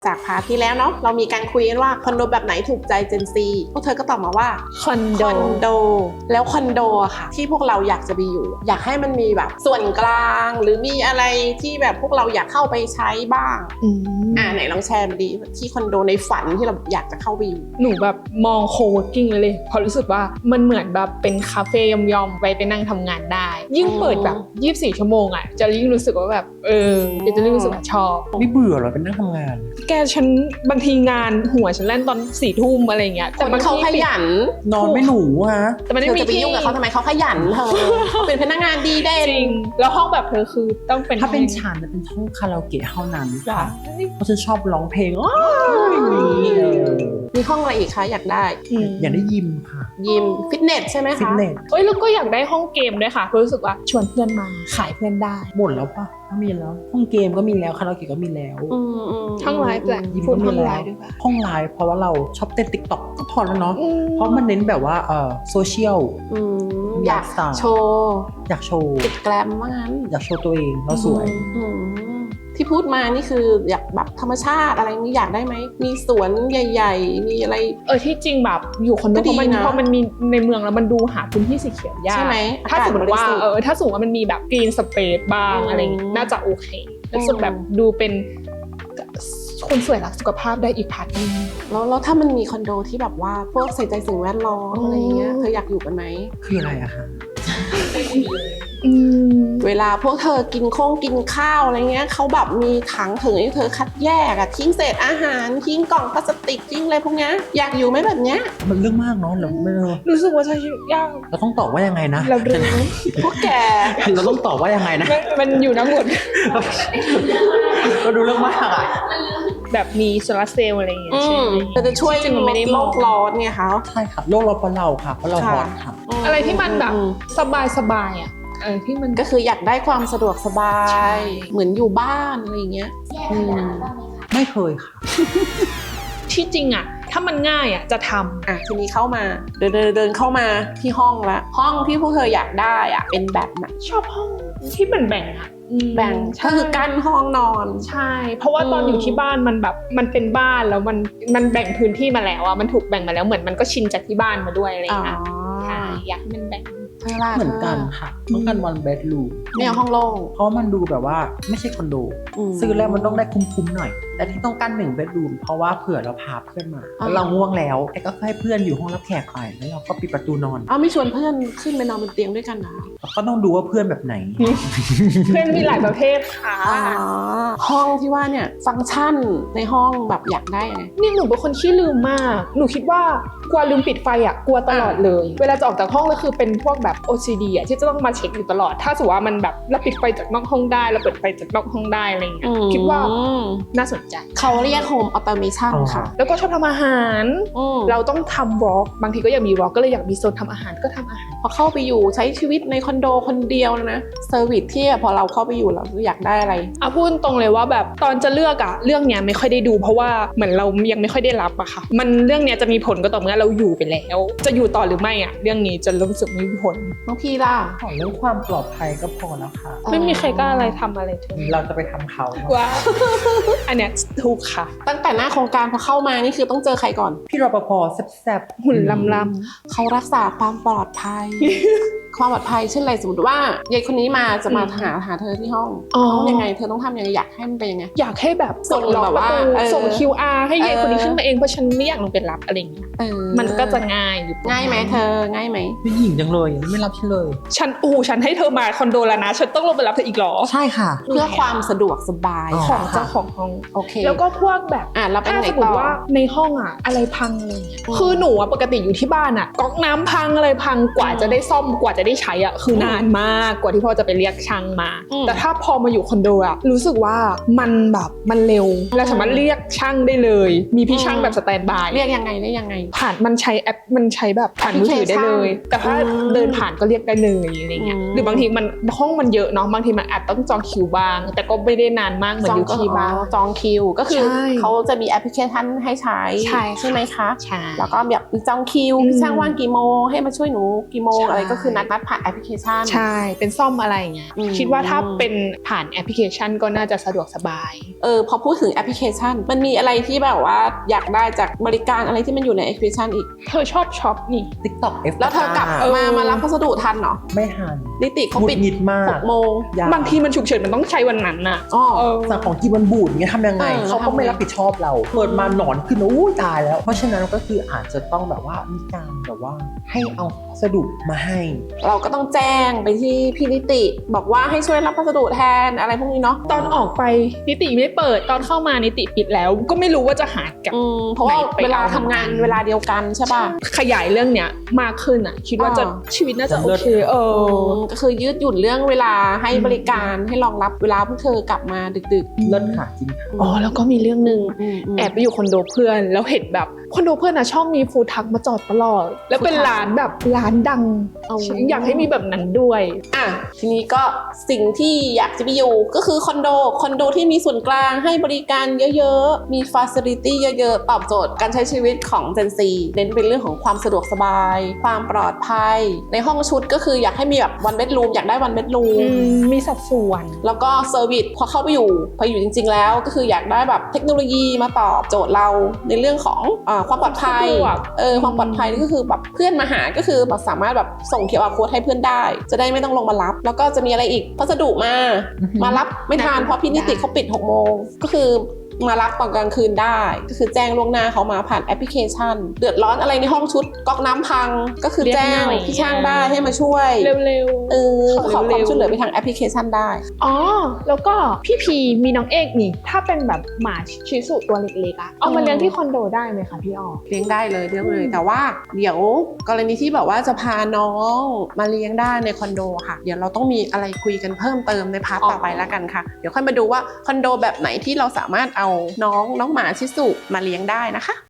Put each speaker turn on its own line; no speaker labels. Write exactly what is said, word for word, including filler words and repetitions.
จากพาร์ทที่แล้วเนาะเรามีการคุยกันว่าคอนโดแบบไหนถูกใจเจนซีพวกเธอก็ตอบมาว่า
คอนโด
คอนโดแล้วคอนโดอะค่ะที่พวกเราอยากจะไปอยู่อยากให้มันมีแบบส่วนกลางหรือมีอะไรที่แบบพวกเราอยากเข้าไปใช้บ้างอืมอ่าไหนลองแชร์มาดีที่คอนโดในฝันที่เราอยากจะเข้าไปอยู่
หนูแบบมองโคเวิร์กิ้งเลยเลยพอรู้สึกว่ามันเหมือนแบบเป็นคาเฟ่ยอมๆไว้ไปนั่งทำงานได้ยิ่งเปิดแบบยี่สิบสี่ชั่วโมงอ่ะจะยิ่งรู้สึกว่าแบบเออจะยิ่งรู้สึกว่าชอบ
ไม่เบื่อหรอเป็นนั่งทำงาน
แกฉันบางทีงานหัวฉันเล่นตอนสี่ทุ่มอะไรเงี้ย
แต่มันเขาขยัน
นอนไม่หนูฮะ
แต่มันไม่มี
ที่ยุ่งกับเขาทำไมเขาขยันเธอเขาเป็นพนักงานดีเด่น
จริงแล้วห้องแบบเธอคือต้องเป็น
ถ้าเป็นฉันจะเป็นห้องคาราโอเกะเท่านั้นค่ะเพราะฉันชอบร้องเพลง
มีห้องอะไรอีกคะอยากได้
อยากได้ยิมค่ะ
ยิมฟิตเนสใช่ไหมคะ
ฟิตเนส
เอ้ยแล้วก็อยากได้ห้องเกมด้วยค่ะรู้สึกว่าชวนเพื่อนมาขายเพื่อนได้
หมดแล้วปะก็มีแล้วห้องเกมก็มีแล้วคาราโอเกะก็มีแล้ว
ห้องไลฟ์แหละ
ยิมก็มีแล้วห้องไลฟ์เพราะว่าเราชอบเต้นติ๊กต็อกก็พอแล้วเนาะเพราะมันเน้นแบบว่าเออโซเชียล
อยากโชว์
อยากโชว์
ติดแกรมมาก
อยากโชว์ตัวเองเราสวย
ที่พูดมานี่คืออยากแบบธรรมชาติอะไรนี่อยากได้ไหมมีสวนใหญ่ๆมีอะไร
เออที่จริงแบบอยู่คอนโดเพราะมันเพราะมันมีในเมืองแล้วมันดูหาพื้นที่สีเขียวยาก
ใช่ไหม
ถ้าสมมติว่าเออถ้าสมมติว่ามันมีแบบกรีนสเปซบ้างอะไรอย่างงี้น่าจะโอเครู้สึกแบบดูเป็นคนสวยรักสุขภาพได้อีกพาร์ทนึง
แล้วแล้วถ้ามันมีคอนโดที่แบบว่าพวกใส่ใจสิ่งแวดล้อมอะไรเงี้ยเธออยากอยู่กันไหม
คืออะไรอะคะ
เวลาพวกเธอกินข้องกินข้าวอะไรเงี้ยเขาแบบมีถังถึงให้เธอคัดแยกอะทิ้งเศษอาหารทิ้งกล่องพลาสติกทิ้งอะไรพวกเนี้ยอยากอยู่ไหมแบบเนี้ย
มันเรื่องมากเนาะเราไม่
รู้สึกว่าใช้ชีวิตยาก
เราต้องตอบว่ายังไงนะ
เราดู
พวกแก
เราต้องตอบว่ายังไงนะ
มันอยู่น้ำหมด
ก็ดูเรื่องมากอะ
แบบมีโซลาร์เซลล์อะไรอย่างเงี้ยใช่ไหม
แต่จะช่วยลดโลกร้อนเนี่ยค่ะ
ใช่ค่ะโลกร้อนเพราะเราค่ะเพราะเราร้อนค่ะ
อะไรที่มันแบบสบายสบายอ่ะเออที่มัน
ก็คืออยากได้ความสะดวกสบายเหมือนอยู่บ้านอะไรอย่างเงี้ย
ไม่เคยค่ะ
ที่จริงอ่ะถ้ามันง่ายอ่ะจะทำ
อ่ะทีนี้เข้ามาเดินเดินเดินเข้ามาที่ห้องละห้องที่พวกเธออยากได้อ่ะเป็นแบบไหน
ชอบห้องที่มันแบ่งอ่ะ
แบ่งก็คือกั้นห้องนอน
ใช่เพราะว่าตอนอยู่ที่บ้านมันแบบมันเป็นบ้านแล้วมันมันแบ่งพื้นที่มาแล้วอ่ะมันถูกแบ่งมาแล้วเหมือนมันก็ชินจากที่บ้านมาด้วยอะไรอย่างเงี้ยใช่อยากให้มันแบ่ง
เหมือนกันค่ะต้องการวันเบดรูม
ไม่เอาห้องโล่ง
เพราะมันดูแบบว่าไม่ใช่คอนโดซื้อแล้วมันต้องได้คุ้มๆหน่อยแต่ที่ต้องการหนึ่งเบดรูมเพราะว่าเผื่อเราพาเพื่อนมาแล้วเราง่วงแล้วแต่ก็ให้เพื่อนอยู่ห้องรับแขกไปแล้วเราก็ปิดประตูนอน
อ้าวไม่ชวนเพื่อนขึ้นไปนอนบนเตียงด้วยกันนะ
ก็ต้องดูว่าเพื่อนแบบไหน
เพื่อนมีหลายประเภทค่ะ
ห้องที่ว่าเนี่ยฟังก์ชันในห้องแบบอยากได้ไง
นี่หนูเป็นคนขี้ลืมมากหนูคิดว่ากลัวลืมปิดไฟอ่ะกลัวตลอดเลยเวลาจะออกจากห้องก็คือเป็นพวกแบบ โอ ซี ดี อ่ะที่จะต้องมาเช็คอยู่ตลอดถ้าสมมติว่ามันแบบเราปิดไฟจากนอกห้องได้เราเปิดไฟจากนอกห้องได้อะไรอย่างเงี้ยคิดว่าน่าสนใจ
เขาเรียก Home Automation ค่ะ
แล้วก็ชอบทำอาหารเราต้องทำวอล์กบางทีก็อยากมีวอล์กก็เลยอยากมีโซนทำอาหารก็ทำอาหาร
พอเข้าไปอยู่ใช้ชีวิตในคอนโดคนเดียวนะเซอร์วิสที่พอเราเข้าไปอยู่เราอยากได้อะไร
อ่ะพูดตรงเลยว่าแบบตอนจะเลือกอะเรื่องเนี้ยไม่ค่อยได้ดูเพราะว่าเหมือนเรายังไม่ค่อยได้รับอะค่ะมันเรื่องเนี้ยจะมีผลก็ต่อเมื่อเราอยู่ไปแล้วจะอยู่ต่อหรือไม่อะเรื่องนี้จะรู้สึกมีผล
น้องพี่ล่ะ
ขอเรื่องความปลอดภัยก็พอแล้วค่ะ
ไม่มีใครกล้าอะไรทำอะไรเธอ
เราจะไปทำเขา
ว้าอันเนี้ยถูกค่ะ
ตั้งแต่หน้าโครงการพอเข้ามานี่คือต้องเจอใครก่อน
พี่รปภแซ่บ
ๆหุ่นลำ
ๆเขารักษาความปลอดภัยความปลอดภัยเช่นไรสมมติว่ายายคนนี้มาจะมาหาหาเธอที่ห้องต้องยังไงเธอต้องทำยังไงอยากให้มันเป็นยังไง
อยากให้แบบ
ส่งแบบว่า
ส่ง คิว อาร์ ให้ยายคนนี้ขึ้นมาเองเพราะฉันไม่อยากลงไปรับอะไรอย่างเงี้ยมันก็จะง่ายอยู่
ง่ายไหมเธอง่ายไหม
ผู้หญิงจังเลยไม่รับฉันเลย
ฉันอู้ฉันให้เธอมาคอนโดแล้วนะฉันต้องลงไปรับเธออีกหรอ
ใช่ค่ะ
เพื่อความสะดวกสบาย
ของเจ้าของห้อง
โอเค
แล้วก็พวกแบบ
อ่ะเราเป็นไหนต่อ
ว่าในห้องอะอะไรพังอะไรเงี้ยคือหนูอะปกติอยู่ที่บ้านอะก๊อกน้ำพังอะไรพังกว่าจะได้ซ่อมกว่าจะได้ใช้อะคือนานมากกว่าที่พ่อจะไปเรียกช่างมาแต่ถ้าพอมาอยู่คอนโดอะรู้สึกว่ามันแบบมันเร็วเราสามารถเรียกช่างได้เลยมีพี่ช่างแบบสแตนด์บาย
เรียกยังไงได้ยังไง
ผ่านมันใช้แอปมันใช้แบบผ่านมือถือได้เลยแต่ถ้าเดินผ่านก็เรียกได้เลยอะไรเงี้ยหรือบางทีมันห้องมันเยอะเนาะบางทีมันอาจต้องจองคิวบ้างแต่ก็ไม่ได้นานมากเหมือนอยู่ที่บ้าน
จองคิวก็คือเขาจะมีแอปพลิเคชันให้ใช้ใช่ไหมคะ
ใช่
แล้วก็แบบจองคิวพี่ช่างว่างกี่โมงให้มาช่วยหนูกี่โมงอะไรก็คือนัดนัดกผ่านแอปพลิเคชัน
ใช่เป็นซ่อมอะไรอย่างเงี้ยคิดว่าถ้าเป็นผ่านแอปพลิเคชันก็น่าจะสะดวกสบาย
เออพอพูดถึงแอปพลิเคชันมันมีอะไรที่แบบว่าอยากได้จากบริการอะไรที่มันอยู่ในแอปพลิเคชันอีก
เธอชอบช็อปนี่
TikTok เอฟ
แล้วเธอกลับมามารับพัสดุทันเหรอ
ไม่ทัน
นิติเขาปิด
หงุดหงิดมาก
หกโมง
บางทีมันฉุกเฉินมันต้องใช้วันนั้นน่ะ
อ๋อ
สั่งของกินมันบูดเงี้ยทำยังไงเขาก็ไม่รับผิดชอบเราเปิดมาหนอนขึ้นอู้ตายแล้วเพราะฉะนั้นก็คืออาจจะต้องแบบว่ามีการแบบว่าให้เอาพัสดุมาให้
เราก็ต้องแจ้งไปที่พี่นิติบอกว่าให้ช่วยรับพัสดุแทนอะไรพวกนี้เนาะ
ตอนออกไปนิติไม่เปิดตอนเข้ามานิติปิดแล้วก็ไม่รู้ว่าจะหากับ
เพราะว่าเวลาทำงานเวลาเดียวกันใช่ป่ะ
ขยายเรื่องเนี้ยมากขึ้นอ่ะคิดว่าจะชีวิตน่าจะโอเคเออ
ก็คือยืดหยุ่นเรื่องเวลาให้บริการให้รองรับเวลาพวกเธอกลับมาดึก
ๆเลิศค่ะจริง
อ๋อแล้วก็มีเรื่องนึงแอบไปอยู่คอนโดเพื่อนแล้วเห็นแบบคอนโดเพื่อนนะชอบมีฟู้ดทรัคมาจอดตลอดแล้วเป็นร้านแบบร้านดังอยากให้มีแบบนั้นด้วย
อ่ะทีนี้ก็สิ่งที่อยากจะไปอยู่ก็คือคอนโดคอนโดที่มีส่วนกลางให้บริการเยอะๆมีฟาซิลิตี้เยอะๆตอบโจทย์การใช้ชีวิตของ Gen ซี เน้นเป็นเรื่องของความสะดวกสบายความปลอดภัยในห้องชุดก็คืออยากให้มีแบบวันเบดรูมอยากได้วันเบดรูม
มีสัดส่วน
แล้วก็เซอร์วิสพอเข้าไปอยู่พออยู่จริงๆแล้วก็คืออยากได้แบบเทคโนโลยีมาตอบโจทย์เราในเรื่องของอ่าความปลอดภัยเออความปลอดภัยก็คือแบบเพื่อนมาหาก็คือแบบสามารถแบบส่ง คิว อาร์ Code ให้เพื่อนได้จะได้ไม่ต้องลงมารับแล้วก็จะมีอะไรอีกพัสดุมามารับไม่ทันเพราะพี่นิติเขาปิดหกโมงก็คือมารับตอนกลางคืนได้ก็คือแจ้งล่วงหน้าเขามาผ่านแอปพลิเคชันเดือดร้อนอะไรในห้องชุดก๊อกน้ำพังก็คือแจ้งพี่ช่างได้ให้มาช่วย
เร็ว
ๆเออขอความช่วยเหลือไปทางแอปพลิเคชันได้
อ๋อแล้วก็พี่พีมีน้องเอกนี่ถ้าเป็นแบบหมาชิสุตัวเล็กๆอะเอามาเลี้ยงที่คอนโดได้ไหมคะพี่อ้อ
เลี้ยงได้เลยเลี้ยงเลยแต่ว่าเดี๋ยวกรณีที่แบบว่าจะพาน้องมาเลี้ยงได้ในคอนโดค่ะเดี๋ยวเราต้องมีอะไรคุยกันเพิ่มเติมในพาร์ทต่อไปแล้วกันค่ะเดี๋ยวค่อยมาดูว่าคอนโดแบบไหนที่เราสามารถเอาน้องน้องหมาชิสุมาเลี้ยงได้นะคะ